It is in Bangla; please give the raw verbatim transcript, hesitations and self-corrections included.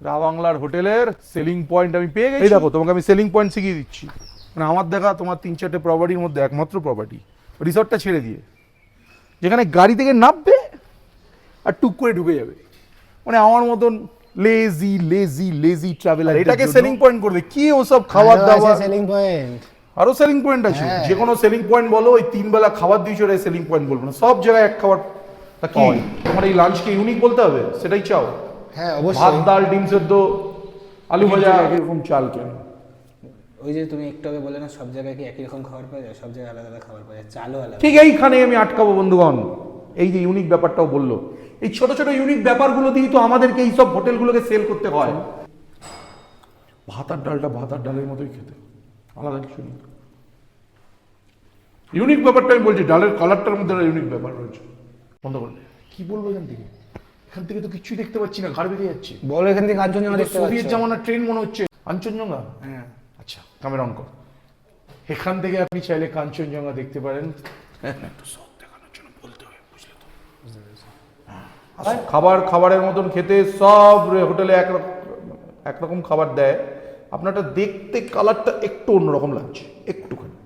রাবাংলার হোটেলের সেলিং পয়েন্ট আমি পেয়ে গেছি। এই দেখো তোমাকে আমি সেলিং পয়েন্ট শিখিয়ে দিচ্ছি। মানে আমার দেখা তোমার তিন চারটে প্রপার্টির মধ্যে একমাত্র প্রপার্টি রিসর্টটা ছেড়ে দিয়ে, যেখানে গাড়ি থেকে নামবে আর টুক করে ঢুকে যাবে। মানে আমার মতন লেজি লেজি লেজি ট্রাভেলার এটাকে সেলিং পয়েন্ট করবে কি? ওসব খাবার দাবার সেলিং পয়েন্ট, আরো সেলিং পয়েন্ট আছে। যে কোনো সেলিং পয়েন্ট বলো, ওই তিন বেলা খাবার দিয়েছো ওটাই সেলিং পয়েন্ট বলবো না, সব জায়গায় এক খাবার। তা কি তোমার এই লাঞ্চকে ইউনিক বলতে হবে? সেটাই চাও? হ্যাঁ ভাত অবশ্যই। ডাল ডিম সেদ্ধ আলু ভাজা এরকম চাল কেন? ওই যে তুমি একটু আগে বলে না সব জায়গায় কি একই রকম খাবার পাওয়া যায়? সব জায়গায় আলাদা আলাদা খাবার পাওয়া যায়, চালও আলাদা। ঠিক এইখানে আমি আটকাবো বন্ধুগণ। এই যে ইউনিক ব্যাপারটাও বললো, এই ছোট ছোট ইউনিক ব্যাপারগুলো দিয়েই তো আমাদেরকে এই সব হোটেলগুলোকে সেল করতে হয়। ভাত আর ডালটা ভাত আর ডালের মতোই খেতে, আলাদা কিছু নেই। ইউনিক ব্যাপারটা আমি বলছি, ডালের কালারটার মধ্যে একটা ইউনিক ব্যাপার রয়েছে। বন্ধ করলে কি বলবো এখান থেকে? এখান থেকে তো কিছুই দেখতে পাচ্ছি না, ঘাড় বেরিয়ে যাচ্ছে। বলো এখান থেকে কাঞ্চনজঙ্ঘা দেখতে পাচ্ছ? সোভিয়েত জামানার ট্রেন মনে হচ্ছে। কাঞ্চনজঙ্ঘা? হ্যাঁ। আচ্ছা ক্যামেরা অন কর। এখান থেকে আপনি চাইলে কাঞ্চনজঙ্ঘা দেখতে পারেন। তো সব দেখানোর জন্য বলতে হয়, বুঝলে তো? খাবার খাবারের মতন খেতে, সব হোটেলে এক একরকম খাবার দেয়। আপনারটা দেখতে কালারটা একটু অন্যরকম লাগছে, একটুখানি।